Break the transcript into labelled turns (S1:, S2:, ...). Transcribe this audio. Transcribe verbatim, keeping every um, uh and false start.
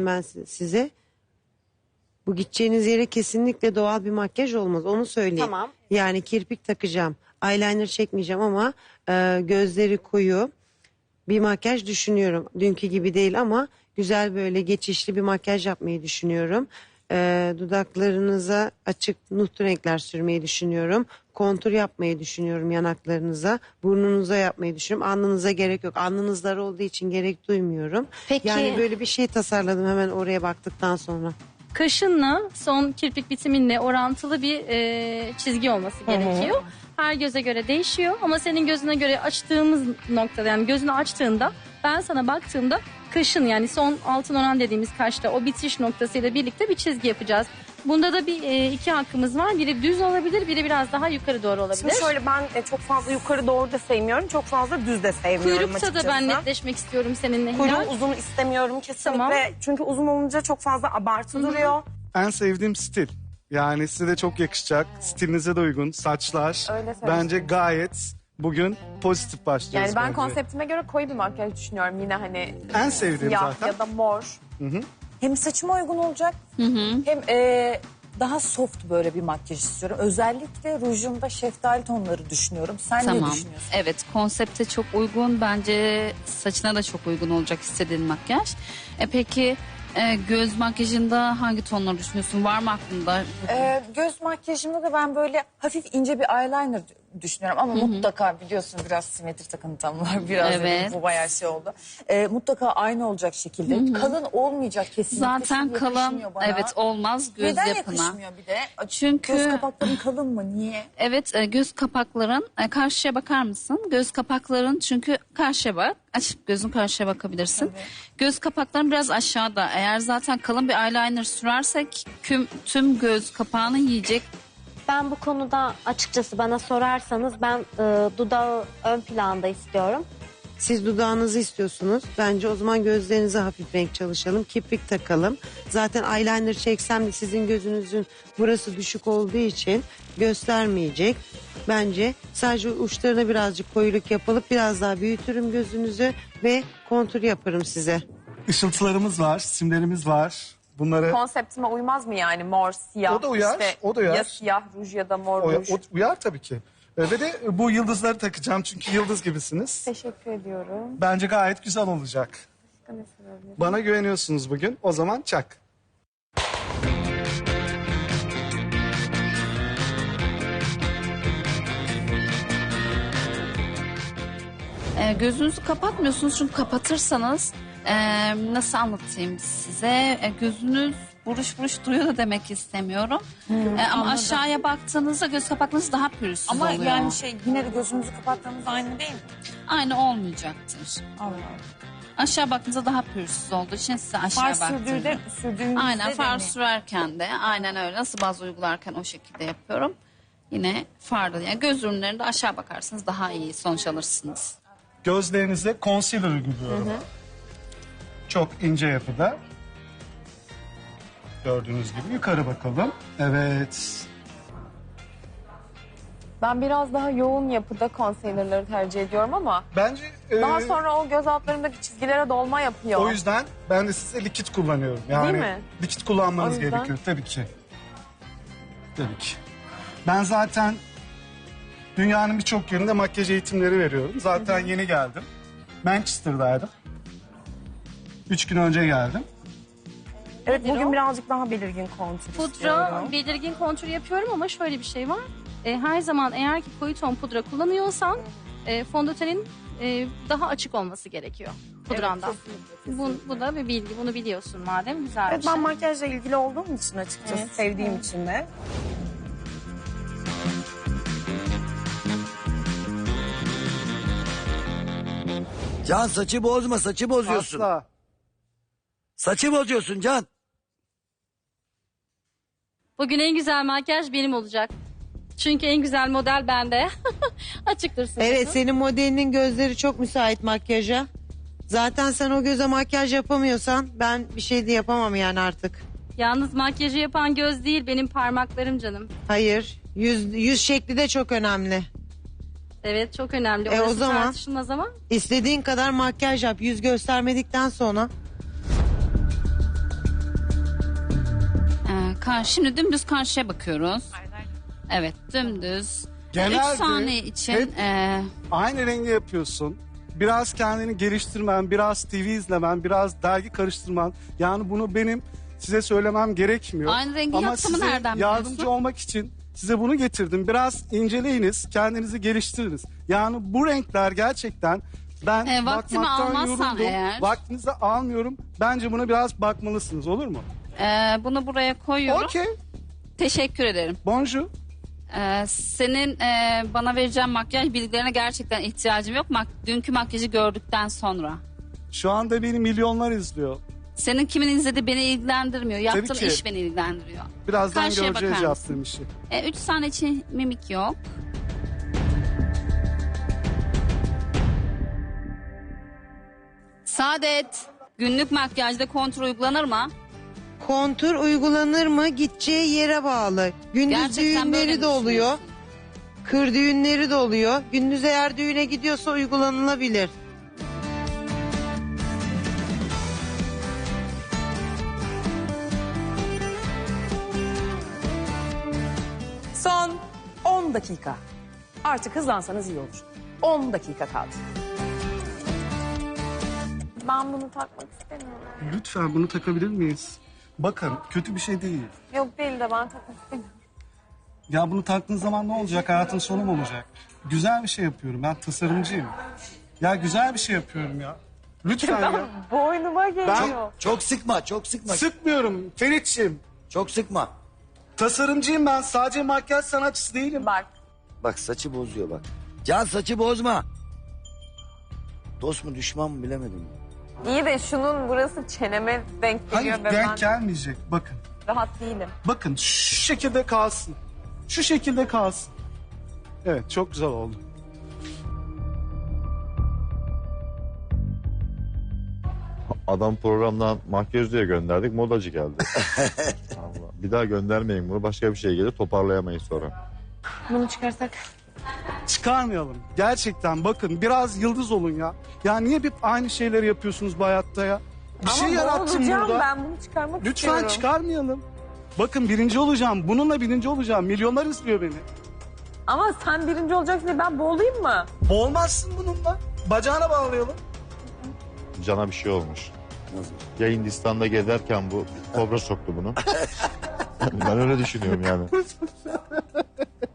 S1: ben size. Bu gideceğiniz yere kesinlikle doğal bir makyaj olmaz. Onu söyleyeyim.
S2: Tamam.
S1: Yani kirpik takacağım. Eyeliner çekmeyeceğim ama e, gözleri koyu bir makyaj düşünüyorum. Dünkü gibi değil ama güzel böyle geçişli bir makyaj yapmayı düşünüyorum. E, dudaklarınıza açık nude renkler sürmeyi düşünüyorum. Kontur yapmayı düşünüyorum yanaklarınıza. Burnunuza yapmayı düşünüyorum. Alnınıza gerek yok. Alnınız dar olduğu için gerek duymuyorum.
S2: Peki.
S1: Yani böyle bir şey tasarladım hemen oraya baktıktan sonra.
S3: Kaşınla son kirpik bitiminle orantılı bir e, çizgi olması gerekiyor. Her göze göre değişiyor ama senin gözüne göre açtığımız noktada, yani gözünü açtığında ben sana baktığımda kaşın, yani son altın oran dediğimiz kaşta o bitiş noktasıyla birlikte bir çizgi yapacağız. Bunda da bir e, iki hakkımız var. Biri düz olabilir, biri biraz daha yukarı doğru olabilir.
S2: Şimdi şöyle, ben e, çok fazla yukarı doğru da sevmiyorum. Çok fazla düz de sevmiyorum
S3: Kuyrukta
S2: açıkçası.
S3: da ben netleşmek istiyorum seninle Hilal.
S2: Kuyruğu uzun istemiyorum kesinlikle.
S3: Tamam.
S2: Çünkü uzun olunca çok fazla abartı duruyor.
S4: En sevdiğim stil. Yani size de çok yakışacak. Stilinize de uygun. Saçlar.
S2: Öyle söyleyeyim.
S4: Bence gayet bugün pozitif başlıyoruz.
S2: Yani ben
S4: bence.
S2: konseptime göre koyu bir makyaj düşünüyorum. Yine hani
S4: En sevdiğim
S2: siyah
S4: zaten.
S2: ya da mor.
S5: Hem saçıma uygun olacak hem e, daha soft böyle bir makyaj istiyorum. Özellikle rujumda şeftali tonları düşünüyorum. Sen ne
S6: Tamam.
S5: düşünüyorsun?
S6: Evet, konsepte çok uygun. Bence saçına da çok uygun olacak istediğin makyaj. E peki e, göz makyajında hangi tonları düşünüyorsun? Var mı aklında?
S5: E, göz makyajımda da ben böyle hafif ince bir eyeliner düşünüyorum ama mutlaka biliyorsun biraz simetri takıntım var. Biraz
S6: Evet.
S5: dedim, bu bayağı şey oldu. E, mutlaka aynı olacak şekilde. Kalın olmayacak kesinlikle.
S6: Zaten
S5: Şimdi
S6: kalın,
S5: yakışmıyor bana.
S6: evet olmaz göz
S5: Neden
S6: yapına.
S5: yakışmıyor bir de?
S6: Çünkü-
S5: Göz kapakların kalın mı? Niye?
S6: Evet, e, göz kapakların e, karşıya bakar mısın? Göz kapakların, çünkü karşıya bak. Açıp gözün karşıya bakabilirsin. Göz kapakların biraz aşağıda. Eğer zaten kalın bir eyeliner sürersek küm, tüm göz kapağını yiyecek.
S7: Ben bu konuda açıkçası bana sorarsanız ben e, dudağı ön planda istiyorum.
S1: Siz dudağınızı istiyorsunuz. Bence o zaman gözlerinize hafif renk çalışalım. Kirpik takalım. Zaten eyeliner çeksem de sizin gözünüzün burası düşük olduğu için göstermeyecek. Bence sadece uçlarına birazcık koyuluk yapılıp biraz daha büyütürüm gözünüzü ve kontur yaparım size.
S4: Işıltılarımız var, simlerimiz var. Bunları
S2: Konseptime uymaz mı yani mor, siyah?
S4: O da uyar,
S2: işte
S4: o da uyar.
S2: Ya siyah ruj ya da mor
S4: o,
S2: ruj.
S4: o- uyar tabii ki. E, Ve de bu yıldızları takacağım çünkü yıldız gibisiniz.
S2: Teşekkür ediyorum.
S4: Bence gayet güzel olacak. Bana güveniyorsunuz bugün. O zaman çak.
S6: E, gözünüzü kapatmıyorsunuz çünkü kapatırsanız e, nasıl anlatayım size? E, gözünüz buruş buruş duruyor da demek istemiyorum. E, ama aşağıya baktığınızda göz kapaklarınız daha pürüzsüz
S5: Ama
S6: oluyor.
S5: yani şey yine de gözümüzü kapattığımız aynı değil mi?
S6: Aynı olmayacaktır.
S5: Allah.
S6: Aşağı baktığınızda daha pürüzsüz olduğu için size aşağı
S5: Far sürdüğünde,
S6: baktırıyorum.
S5: sürdüğümüzde
S6: Aynen,
S5: de
S6: far
S5: mi?
S6: sürerken de aynen öyle. Nasıl baz uygularken o şekilde yapıyorum. Yine farda, yani göz ürünlerinde aşağı bakarsınız daha iyi sonuç alırsınız.
S4: Gözlerinize concealer uyguluyorum. Çok ince yapıda. Gördüğünüz gibi yukarı bakalım. Evet.
S2: Ben biraz daha yoğun yapıda concealer'ları tercih ediyorum ama
S4: Bence e,
S2: daha sonra o göz altlarındaki çizgilere dolma yapıyor.
S4: o yüzden ben de size likit kullanıyorum. Yani
S2: Değil mi?
S4: likit kullanmanız
S2: O yüzden-
S4: gerekiyor tabii ki. Tabii ki. Ben zaten dünyanın birçok yerinde makyaj eğitimleri veriyorum. Zaten yeni geldim. Manchester'daydım. Üç gün önce geldim.
S2: Evet,
S3: Nedir
S2: bugün
S3: o?
S2: birazcık daha belirgin kontur
S3: Pudra,
S2: istiyorum.
S3: belirgin kontür yapıyorum ama şöyle bir şey var. E, her zaman eğer ki koyu ton pudra kullanıyorsan e, fondötenin e, daha açık olması gerekiyor pudrandan. bu, bu da bir bilgi, bunu biliyorsun madem, güzel
S2: Evet,
S3: bir şey.
S2: ben makyajla ilgili olduğum için açıkçası
S3: Evet.
S2: sevdiğim için de.
S8: Can saçı bozma, saçı bozuyorsun.
S4: Asla.
S8: Saçı bozuyorsun Can.
S3: Bugün en güzel makyaj benim olacak. Çünkü en güzel model bende. Açıktır sözüm.
S1: Evet, senin modelinin gözleri çok müsait makyaja. Zaten sen o göze makyaj yapamıyorsan ben bir şey de yapamam yani artık.
S3: Yalnız makyajı yapan göz değil, benim parmaklarım canım.
S1: Hayır, yüz, yüz şekli de çok önemli.
S3: Evet, çok önemli.
S1: E, o
S3: Orası
S1: zaman-
S3: tartışılmaz ama.
S1: İstediğin kadar makyaj yap, yüz göstermedikten sonra.
S6: karşı, şimdi dümdüz karşıya bakıyoruz. Evet, dümdüz.
S4: Genelde
S6: üç saniye için
S4: hep-
S6: e,
S4: Aynı rengi yapıyorsun. Biraz kendini geliştirmen, biraz T V izlemen, biraz dergi karıştırman. Yani bunu benim size söylemem gerekmiyor.
S6: Aynı rengi
S4: Ama
S6: yaptığımı
S4: size
S6: nereden
S4: yardımcı
S6: biliyorsun?
S4: olmak için size bunu getirdim. Biraz inceleyiniz, kendinizi geliştiriniz. Yani bu renkler gerçekten ben
S6: E, vaktimi
S4: bakmaktan
S6: almazsan
S4: yoruldum.
S6: eğer.
S4: Vaktinizi almıyorum. Bence buna biraz bakmalısınız, olur mu?
S6: e, bunu buraya koyuyorum.
S4: Okey.
S6: Teşekkür ederim.
S4: Bonjour.
S6: E, senin e, bana vereceğin makyaj bilgilerine gerçekten ihtiyacım yok. Mak dünkü makyajı gördükten sonra.
S4: Şu anda beni milyonlar izliyor.
S6: Senin kimin izlediği beni ilgilendirmiyor. Yaptığın
S4: ki.
S6: iş beni ilgilendiriyor.
S4: Birazdan
S6: Karşıya
S4: göreceğiz
S6: bakar
S4: yaptığım işi.
S6: E, üç saniye için mimik yok. Saadet, günlük makyajda kontrol uygulanır mı?
S1: Kontur uygulanır mı? Gideceği yere bağlı. Gündüz
S6: Gerçekten böyle
S1: düğünleri
S6: mi
S1: de oluyor.
S6: düşünüyorsun?
S1: Kır düğünleri de oluyor. Gündüz eğer düğüne gidiyorsa uygulanılabilir.
S5: Son on dakika. Artık hızlansanız iyi olur. on dakika kaldı.
S2: Ben bunu takmak istemiyorum.
S4: Lütfen bunu takabilir miyiz? Bakın kötü bir şey değil.
S2: Yok değil de ben takmak istemiyorum.
S4: Ya bunu taktığın zaman ne olacak? Hayatın sonu mu olacak? Güzel bir şey yapıyorum. Ben tasarımcıyım. Ya güzel bir şey yapıyorum ya. Lütfen ya.
S2: Boynuma geliyor.
S8: Çok sıkma, çok sıkma.
S4: Sıkmıyorum Ferit'ciğim.
S8: Çok sıkma.
S4: Tasarımcıyım ben. Sadece makyaj sanatçısı değilim.
S2: Bak.
S8: Bak saçı bozuyor bak. Can saçı bozma. Dost mu düşman mı bilemedim.
S2: İyi de şunun burası çeneme denk geliyor
S4: Hayır
S2: ve ben
S4: denk gelmeyecek. Bakın.
S2: rahat değilim.
S4: Bakın şu şekilde kalsın. Şu şekilde kalsın. Evet çok güzel oldu.
S9: Adam programdan makyaj diye gönderdik, modacı geldi. Allah. Bir daha göndermeyin bunu, başka bir şey gelir, toparlayamayız sonra.
S2: Bunu çıkarsak.
S4: Çıkarmayalım. Gerçekten bakın biraz yıldız olun ya. Ya niye hep aynı şeyleri yapıyorsunuz bu hayatta ya? Bir şey yarattım
S2: boğulacağım,
S4: burada.
S2: ben bunu çıkarmak
S4: Lütfen
S2: istiyorum.
S4: çıkarmayalım. Bakın birinci olacağım. Bununla birinci olacağım. Milyonlar izliyor beni.
S2: Ama sen birinci olacaksın diye ben boğulayım mı?
S4: Olmazsın bununla. Bacağına bağlayalım.
S9: Cana bir şey olmuş.
S8: Nasıl?
S9: Ya Hindistan'da gezerken bu kobra soktu bunu. Ben öyle düşünüyorum yani.